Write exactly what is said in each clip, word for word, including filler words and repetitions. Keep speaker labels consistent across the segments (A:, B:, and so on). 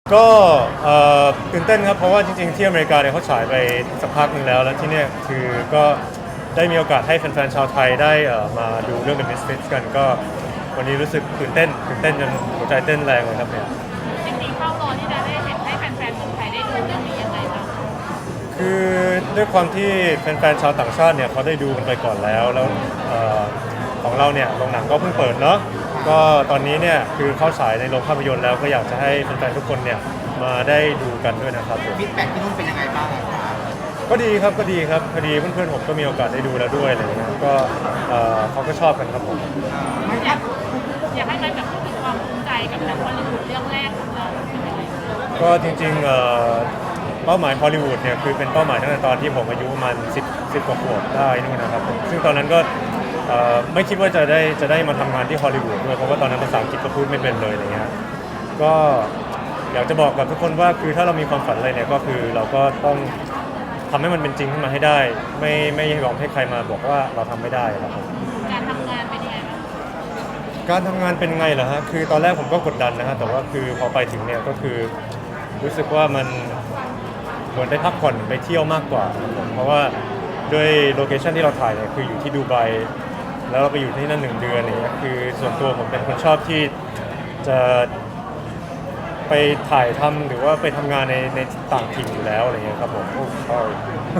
A: ก็ตื่นเต้นครับเพราะว่าจริงๆที่อเมริกาเนี่ยเขาฉายไปสักพักหนึ่งแล้วแล้วที่เนี่ยคือก็ได้มีโอกาสให้แฟนๆชาวไทยได้มาดูเรื่อง The Misfits กันก็วันนี้รู้สึกตื่นเต้นตื่นเต้นจนหัวใจเต้นแรงเลยครับเนี่ย
B: จริงๆเข้ารอที่จะได้เห็นให้แฟนๆเมืองไทยได้ดูเรื่องนี้ยังไงบ้าง
A: คือด้วยความที่แฟนๆชาวต่างชาติเนี่ยเขาได้ดูกันไปก่อนแล้วแล้วของเราเนี่ยโรงหนังก็เพิ่งเปิดเนาะก็ตอนนี้เนี่ยคือเข้าฉายในโรงภาพยนตร์แล้วก็อยากจะให้แฟนๆทุกคนเนี่ยมาได้ดูกันด้วยนะครับ
C: ฟีดแบ็กที่นู่นเป็นยังไงบ้างครับ
A: ก็ดีครับก็ดีครับพอดีเพื่อนๆผมก็มีโอกาสได้ดูแล้วด้วยอะไรเงี้ยก็เขาก็ชอบกันครับผม
B: อยากอยากให้ใครแบบพูดถึงความภูมิใจกับหนังฮอลลีวูดเรื่องแรกของเรา
A: ก็จริงๆเป้าหมายฮอลลีวูดเนี่ยคือเป็นเป้าหมายตั้งแต่ตอนที่ผมอายุประมาณสิบ สิบกว่าขวบได้นู่นนะครับซึ่งตอนนั้นก็ไม่คิดว่าจะได้จะได้มาทำงานที่ฮอลลีวูดด้วยเพราะว่าตอนนั้นภาษาอังกฤษก็พูดไม่เป็นเลยอะไรเงี้ยก็อยากจะบอกกับทุกคนว่าคือถ้าเรามีความฝันอะไรเนี่ยก็คือเราก็ต้องทำให้มันเป็นจริงขึ้นมาให้ได้ไม่ไม่ยอมให้ใครมาบอกว่าเราทำไม่ได้ครับผม
B: การทำงานเป็นยังไงบ้าง
A: การทำงานเป็นไงเหรอฮะคือตอนแรกผมก็กดดันนะฮะแต่ว่าคือพอไปถึงเนี่ยก็คือรู้สึกว่ามันเหมือนได้พักผ่อนไปเที่ยวมากกว่าเพราะว่าด้วยโลเคชันที่เราถ่ายเนี่ยคืออยู่ที่ดูไบแล้วเราไปอยู่ที่นั่นหนึ่งเดือนอะไรเงี้ยคือส่วนตัวผมเป็นคนชอบที่จะไปถ่ายทำหรือว่าไปทำงานในในต่างถิ่นอยู่แล้วอะไรเงี้ยครับผมโอ้ใช่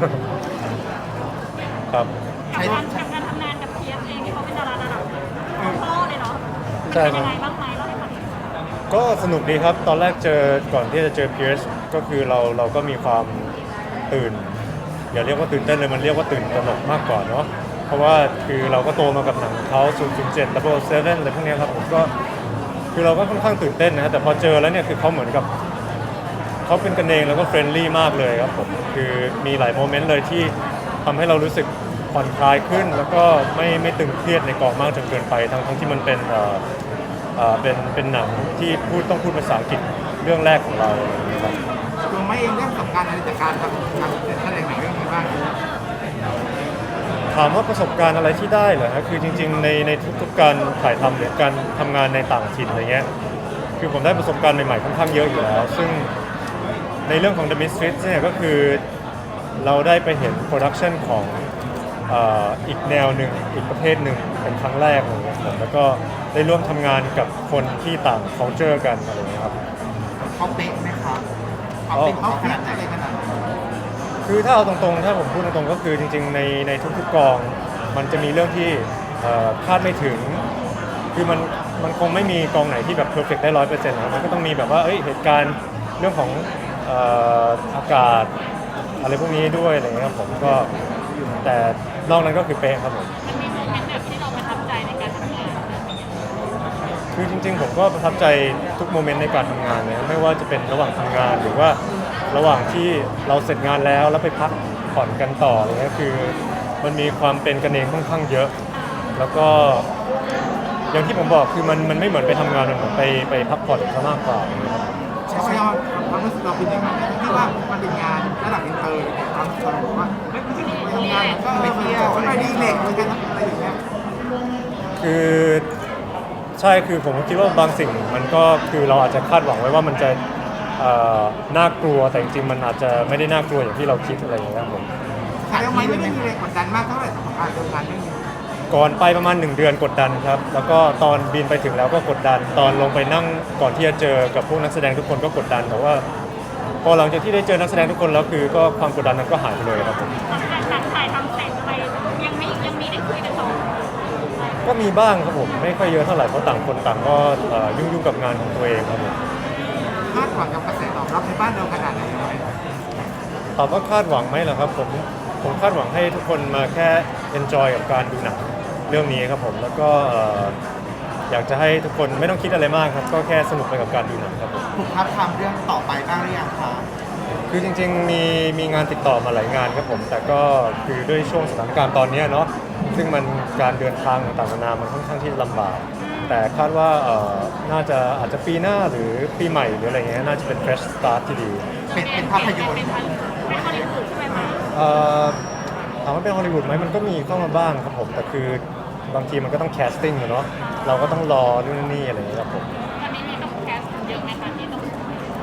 A: ครับ
B: กับการกับการทำงานกับเพียร์เองที่เขาเป็นดาราระดับพ่อเลยเนาะ
A: ใช่
B: เป็นยังไงบ้างไหมเล่าให้ฟัง
A: ก็สนุกดีครับตอนแรกเจอก่อนที่จะเจอเพียร์ก็คือเราเราก็มีความตื่นอย่าเรียกว่าตื่นเต้นเลยมันเรียกว่าตื่นตระหนกมากกว่าเนาะเพราะว่าคือเราก็โตมากับหนังเขาศูนย์ ศูนย์ เจ็ด ดับเบิลเซเว่นอะไรพวกนี้ครับผมก็คือเราก็ค่อนข้างตื่นเต้นนะฮะแต่พอเจอแล้วเนี่ยคือเขาเหมือนกับเขาเป็นกันเองแล้วก็เฟรนลี่มากเลยครับผมคือมีหลายโมเมนต์เลยที่ทำให้เรารู้สึกผ่อนคลายขึ้นแล้วก็ไม่ไม่ตึงเครียดในกองมากจนเกินไปทั้งทั้งที่มันเป็นเอ่อเอ่อเป็นเป็นหนังที่พูดต้องพูดภาษาอังกฤษเรื่องแรกของเราครับ
C: ตัวไม่เองเรื่องประสบการณ์อะไรจากการทำการแสดงหนังเรื่องนี้บ้าง
A: ถามว่าประสบการณ์อะไรที่ได้เหรอฮะคือจริงๆในในทุกๆการถ่ายทำหรือการทำงานในต่างถิ่นอะไรเงี้ยคือผมได้ประสบการณ์ใหม่ๆค่อนข้างเยอะอยู่แล้วซึ่งในเรื่องของ The Misfits เนี่ยก็คือเราได้ไปเห็นโปรดักชันของอีกแนวหนึ่งอีกประเภทหนึ่งเป็นครั้งแรกเลยครับแล้วก็ได้ร่วมทำงานกับคนที่ต่าง culture กันอะไรเงี้ยครับ
C: เขาเป๊ะไหมครับเขาเป็นเขาขนาดไหนขนาด
A: คือถ้าเอาตรงๆถ้าผมพูดตรงๆก็คือจริงๆในในทุกๆกองมันจะมีเรื่องที่คาดไม่ถึงคือมันมันคงไม่มีกองไหนที่แบบเพอร์เฟกต์ได้ร้อยเปอร์เซ็นต์นะมันก็ต้องมีแบบว่าเอ้ยเหตุการณ์เรื่องของอากาศอะไรพวกนี้ด้วยอะไรเงี้ยครับผมก็แต่นอกนั้นก็คือเป๊ะครับผม
B: มันมีโมเมนต์แบบที่เราประทับใจในการทำงาน
A: คือจริงๆผมก็ประทับใจทุกโมเมนต์ในการทำงานเลยไม่ว่าจะเป็นระหว่างทำงานหรือว่าระหว่างที่เราเสร็จงานแล้วแล้วไปพักผ่อนกันต่ออะไรเงี้ยคือมันมีความเป็นกันเองค่อนข้างเยอะแล้วก็อย่างที่ผมบอกคือมันมันไม่เหมือนไปทำงานมันเหมือนไปไปพักผ่อนซะมากกว่าครับ
C: ใช่ไหมความรู้สึกเราเป็นยังไงที่ว่ามันเป็นงานระดับอินเตอร์ตอนเราบอกว่าไม่ใช่ไปทำงานก็ไปเที่ยวไปดีเล็กเหมือนกันอะไรอย่างเงี้ย
A: คือใช่คือผมคิดว่าบางสิ่งมันก็คือเราอาจจะคาดหวังไว้ว่ามันจะน่ากลัวแต่จริงๆมันอาจจะไม่ได้น่ากลัวอย่างที่เราคิดอะไรอย่างเงี้ยครับผม
C: ใช่ไหมไม่ได้มีแรงกดดันมากเท่าไหร่สำหรับการทำงานเรื่องนี้
A: ก่อนไปประมาณหนึ่งเดือนกดดันครับแล้วก็ตอนบินไปถึงแล้วก็กดดันตอนลงไปนั่งก่อนที่จะเจอกับพวกนักแสดงทุกคนก็กดดันแต่ว่าพอหลังจากที่ได้เจอนักแสดงทุกคนแล้วคือก็ความกดดันนั้นก็หายไปเลยครับผม
B: หนังถ่ายทำเสร็จไปยังไม่ยังมีได้คุยกันต่อ
A: ก็มีบ้างครับผมไม่ค่อยเยอะเท่าไหร่เพราะต่างคนต่างก็ยุ่งๆกับงานของตัวเองครับผม
C: คาดหวังกับกระแสตอบรับในบ้านเราขนาดไหน
A: ตอบว่าคาดหวังไหมเหรอครับผมผมคาดหวังให้ทุกคนมาแค่ enjoy กับการดูหนังเรื่องนี้ครับผมแล้วก็อยากจะให้ทุกคนไม่ต้องคิดอะไรมากครับก็แค่สนุกไปกับการดูหนังครับผม
C: ถูกทับทำเรื่องต่อไปบ้างหรือยังคะ
A: คือจริงๆมีมีงานติดต่อมาหลายงานครับผมแต่ก็คือด้วยช่วงสถานการณ์ตอนนี้เนาะซึ่งมันการเดินทางต่างๆนานามันค่อนข้างที่ลำบากแต่คาดว่าน่าจะอาจจะปีหน้าหรือปีใหม่หรืออะไรเงี้ยน่าจะเป็น fresh start ที่ดี
C: เป็นเป็นภาพยนตร์
B: เป็นฮอลลีวูดใช่ไหมคะ
A: ถามว่าเป็นฮอลลีวูดไหมมันก็มีเข้ามาบ้างครับผมแต่คือบางทีมันก็ต้องแคสติ้งเนาะเราก็ต้องรอนู่นนี่อะไรอย่างเงี้ยครับผม
B: ตอนนี้มีต้องแคสเยอะไหมคะที่ต้อง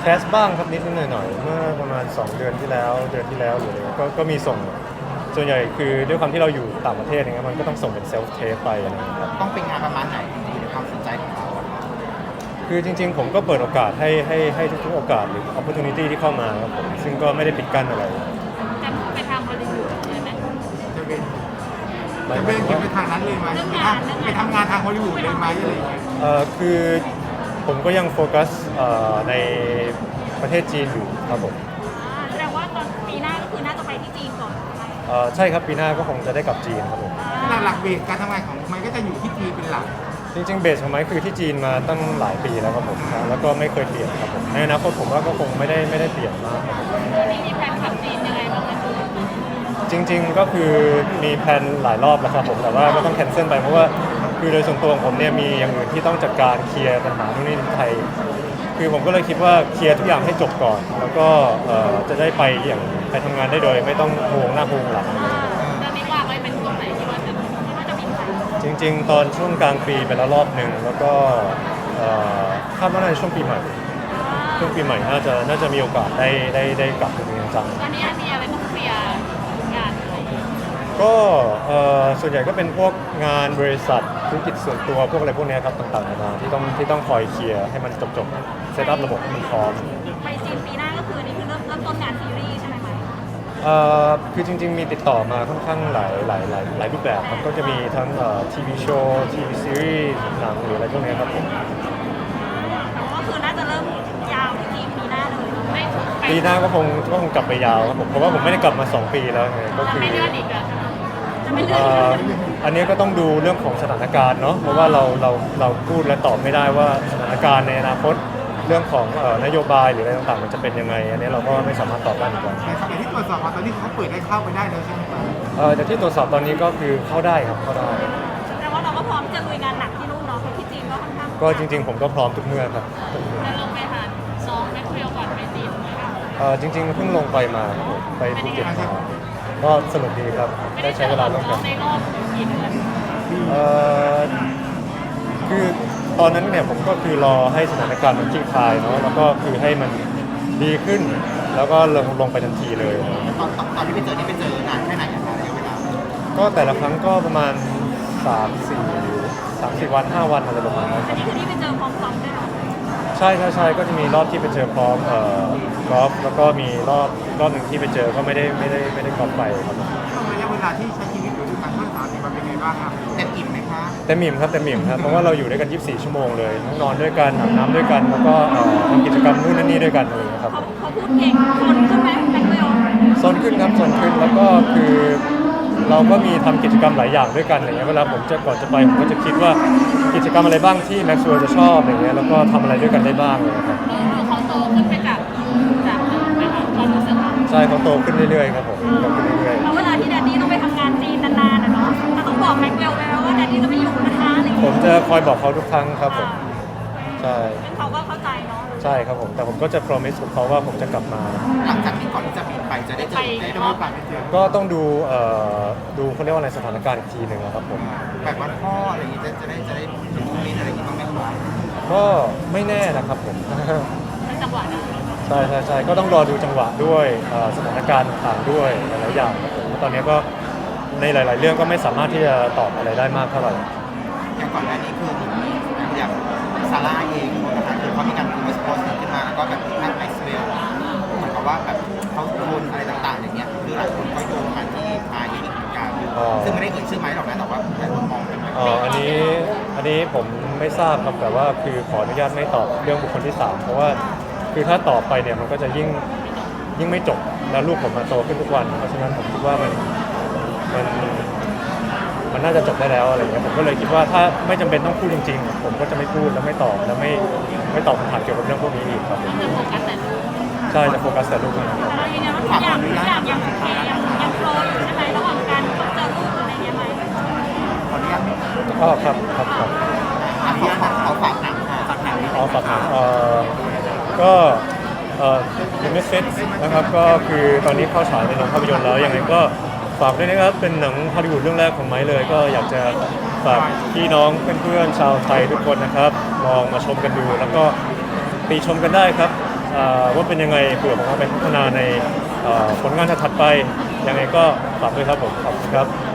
A: แคสบ้างครับนิดนิดหน่อยหน่อยๆเมื่อประมาณสองเดือนที่แล้วเดือนที่แล้วหรืออะไรก็ก็มีส่งส่วนใหญ่คือด้วยความที่เราอยู่ต่างประเทศอย่างเงี้ยมันก็ต้องส่งเป็นเซลฟ์เทปไปอะไรอย่างเงี้ยครับ
C: ต้องเป็นงานประมาณไหนที่ในความสนใจของเราอะ
A: คือจริงๆ ผมก็เปิดโอกาสให้ให้ให้ทุกๆโอกาสหรือ opportunity ที่เข้ามาครับผมซึ่งก็ไม่ได้ปิดกั้นอะไร
B: จะมุ่งไปทางบริษัทเลยไหม
C: จะเป็น
A: หมาย
C: จะ
A: ห
C: เป็
A: มาย
C: น
A: ถึง
C: ไป
A: ว่า
C: ทางนั้นเลยไหมไปทำงานทางฮอลลีวูดเลยไหมอะไรอย่างเงี้ย
A: เอ่อคือผมก็ยังโฟกัสเอ่อในประเทศจีนอยู่ครับผม
B: อ่าแสดงว่าตอนปีหน้าก็คือน่าจะไปที่จีนก่อนใช่ไหม
A: เอ่อใช่ครับปีหน้าก็คงจะได้กลับจีนครับผม
C: หลักๆเบสการทำงานของมันก็จะอยู่ที่จีนเป็นหลัก
A: จริงๆเบสของไม้คือที่จีนมาตั้งหลายปีแล้วครับผมแล้วก็ไม่เคยเปลี่ยนครับผมในอนาคตผมว่าก็คงไม่ได้ไม่ได้เปลี่ยนมากครับผม
B: นี่มีแผนขับจีนยังไงบ้างไหมคะ
A: จริงๆ ก็คือมีแพลนหลายรอบแล้วครับผมแต่ว่าก็ต้องแคนเซิลไปเพราะว่าคือโดยส่วนตัวของผมเนี่ยมีอย่างอื่นที่ต้องจัดการเคลียร์ปัญหานู่นนี่ที่ไทย คือผมก็เลยคิดว่าเคลียร์ทุกอย่างให้จบก่อน แล้วก็เอ่อจะได้ไปอย่างไปทำงานได้โดยไม่ต้องห่วงหน้าห่วงหลัง
B: ตอนนี้วางไว้เป็นช่วงไหนที่ว่าจะที่ว่าจะบินไป
A: จริง ๆ ตอนช่วงกลางปีไปแล้วรอบหนึ่งแล้วก็เอ่อคาดว่าน่าจะช่วงปีใหม่ช่วงปีใหม่น่าจะน่าจะมีโอกาสได้ได้ได้กลับจริงๆจัง
B: ตอนนี้มีอะไรต้องเคลียร์งานอะไรอย่างเงี้ย
A: ก็เอ่อส่วนใหญ่ก็เป็นพวกงานบริษัทธุรกิจส่วนตัวพวกอะไรพวกเนี้ยครับต่างๆนานาที่ต้องที่ต้องคอยเคลียร์ให้มันจบๆเซตอัพระบบให้มันพร้อม
B: ไปจีนปีหน้าก็คือนี่คือเริ่มเริ่มต้นงานซีรีส์ใช่ไหมไหม
A: เอ่อคือจริงๆมีติดต่อมาค่อนข้างหลายหลายหลายหลายรูปแบบครับก็จะมีทั้งเอ่อทีวีโชว์ทีวีซีรีส์หนังหรืออะไรพวกเนี้ยครับผม
B: แต่ว่าก็คือน่าจะเริ่มยาวที่จีนปีหน้าเลยไม่ไป
A: ปีหน้าก็คงก็คงกลับไปยาวครับผมเพราะว่าผมไม่ได้กลับมาสองปีแล้วไงก็คือ
B: ไม่เลื่อนอีกอะจะไม่เลื่อ
A: เอ่
B: น
A: อ
B: อีก
A: อันเนี้ยก็ต้องดูเรื่องของสถานการณ์เนาะเพราะว่าเราเราเราพูดและตอบไม่ได้ว่าสถานการณ์ในอนาคตเรื่องของเอ่อนโยบายหรืออะไรต่างๆมันจะเป็นยังไง อันนี้เราก็ไม่สามารถตอบได้เหมือนกัน
C: ในสมัยที่ตรวจสอบมาตอนนี้เขาเปิดให้เข้าไปได้แล้วใช่ไหมครับ
A: เอ่อแต่ที่ตรวจสอบตอนนี้ก็คือเข้าได้ครับเข้าได้
B: แต่ว่าเราก็พร้อมจะลุยงานหนักที่นู่นเนาะเพราะที่จีนก็ค่อนข้าง
A: ก็จริง ๆ ผมก็พร้อมทุกเมื่อครับ
B: จะลงไปหาน้องแม็กเวลก่อนไปจีนไหมคะ
A: เอ่อจริงๆเพิ่งลงไปมาครับผมไปภูเก็ตมาก็สนุกดีครับ
B: ไม่
A: ได้
B: ได้เจ
A: ใช้
B: อ
A: เว
B: กั
A: ลา
B: บ
A: ร่วม
B: น้
A: กั
B: อน งในรอบกี่เดือน
A: เอ่อคือตอนนั้นเนี่ยผมก็คือรอให้สถานการณ์มันคลี่คลายเนาะแล้วก็คือให้มันดีขึ้น แล้วก็ลงลงไปทันทีเลย
C: ตอนตอนตอนที่ไปเจอนี่ไปเจอนานแค่ไหนอะคะระยะเวลา
A: ก็แต่ละครั้งก็ประมาณสามสี่สามสี่วันห้าวันอะไรประมาณนั้นค
B: อั
A: รั
B: น
A: บ
B: นี้คือที่ไปเจอพร้อมซ้อมด้วยเนาะ
A: ใช่ใช่ใช่ก็จะมีรอบที่ไปเจอพร้อมเอ่อกอล์ฟแล้วก็มีรอบรอบหนึ่งที่ไปเจอก็ไม่ได้ไม่ได้ไม่ได้กอล์ฟไปครับผม
C: ช่วงระยะเวลาที่ใช้ชีวิตอยู่ด้วยกันเมื่อสามสิบวันเป็นไงบ้างครับเต็มอิ่มไหมคะ
A: เต็มอิ่มครับเต็มอิ่มครับเพราะว่าเราอยู่ด้วยกันยี่สิบสี่ชั่วโมงเลยทั้งนอนด้วยกันอาบน้ำด้วยกันแล้วก็เอ่อทำกิจกรรมนู่นนั่นนี่ด้วยกันอะไรอย่างเลยครับ
B: เขาเขาพูดเก่งคนขึ้นไหมแม็กเวล
A: โซนขึ้นครับโซนขึ้นแล้วก็คือเราก็มีทำกิจกรรมหลายอย่างด้วยกันอะไรเงี้ยเวลาผมจะก่อนจะไปผมก็จะคิดว่ากิจกรรมอะไรบ้างที่แม็กซ์เวลจะชอบอะไรเงี้ยแล้วก็ทำอะไรด้วยกันได้บ้างเลยครับ
B: ดูเขาโตขึ้นไปจากจากเดิมไหมคะความรู้สึกเรา
A: ใช่เขาโตขึ้นเรื่อยๆครับผมโตขึ้นเรื่อย
B: แล้วเวลาที่แดดดี้ต้องไปทำงานจีนนานๆนะเนาะจะต้องบอกแม็กเวลไปว่าแดดดี้จะไม่อยู่นะคะอะไรอย่าง
A: ๆผ
B: เงี้
A: ม
B: ย
A: จะคอยบอกเขาทุกครั้งครับผมใช่
B: ซึ่งเขาก็เข้าใจเนาะ
A: ใช่ครับผมแต่ผมก็จะ promise กับเขาว่าผมจะกลับมา
C: หลังจากที่ก่อนที่จะบินไปจะได้เจอได้มีโอกาสไปเจอ
A: ก็ต้องดูเอ่อดูเขาเรียกว่าอะไรสถานการณ์อีกทีหนึ่งอะครับผม
C: แบบวันพ่ออะไรอย่างงี้จะจะได้จะได้ดูโมเมนต์อะไรอย่างงี้บ้างไหมครับ
A: ก็ไม่แน่นะครับผม
B: เป็นจังหวะนั้น
A: ใช่ใช่ใช่ก็ต้องรอดูจังหวะด้วยเอ่อสถานการณ์ต่างๆด้วยหลายๆอย่างครับผมแล้วตอนนี้ก็ในหลาย ๆ เรื่องก็ไม่สามารถที่จะตอบอะไรได้มากเท่าไหร่
C: อย่างก่อนหน้านี้คืออย่างซาร่าเองนะคะคือเขามีการโพสต์โพสต์ขึ้นมาแล้วก็แบบแพทไมซ์เวลเหมือนกับว่าแบบเขาโดนอะไรต่างๆอย่างเงี้ยคือหลายคนก็โยงมาที่มาอีกเหมือนกันซึ่งไม่ได้เอ่ยชื่อไม้หรอกนะแต่ว่าหลายคนมองเป็นแบบ
A: เอ่ออันนี้อันนี้ผมไม่ทราบครับแต่ว่าคือขออนุญาตไม่ตอบเรื่องบุคคลที่สามเพราะว่าคือถ้าตอบไปเนี่ยมันก็จะยิ่งยิ่งไม่จบแล้วลูกผมมาโตขึ้นทุกวันเพราะฉะนั้นผมคิดว่ามันมันมันน่าจะจบได้แล้วอะไรเงี้ยผมก็เลยคิดว่าถ้าไม่จำเป็นต้องพูดจริงๆ ผมก็จะไม่พูดแล้วไม่ตอบแล้วไม่ไม่ตอบคำถามเกี่ยวกับเรื่องพวกนี้อีกครับผม
B: จะโฟกัสแต่ลูก
A: ใช่จะโฟกัสแต่ลูกนะครับ
B: แต่เรายืนยันว่าทุกอย่างทุกอย่างยังโอเคยังยังโฟลว์อยู่ใช่ไหมระหว่างการเจอลูกอะไรเงี้ยไหม
C: ขออนุญาต
A: ก็ครับครับครับ
C: ขออนุญาตเขาฝากหนังค่ะฝากหนัง
A: อ๋อฝากถามเอ่อก็เอ่อ The Misfits นะครับก็คือตอนนี้เข้าฉายในโรงภาพยนตร์แล้วยังไงก็ฝากด้วยนะครับเป็นหนังฮอลลีวูดเรื่องแรกของไม้เลย ก็อยากจะฝากพี่น้องเพื่อนๆชาวไทยทุกคนนะครับลองมาชมกันดู แล้วก็ตีชมกันได้ครับเอ่อว่าเป็นยังไงเผื่อผมเอาไปพัฒนาในเอ่อผลงานถัดๆไปยังไงก็ฝากด้วยครับผมขอบคุณครับ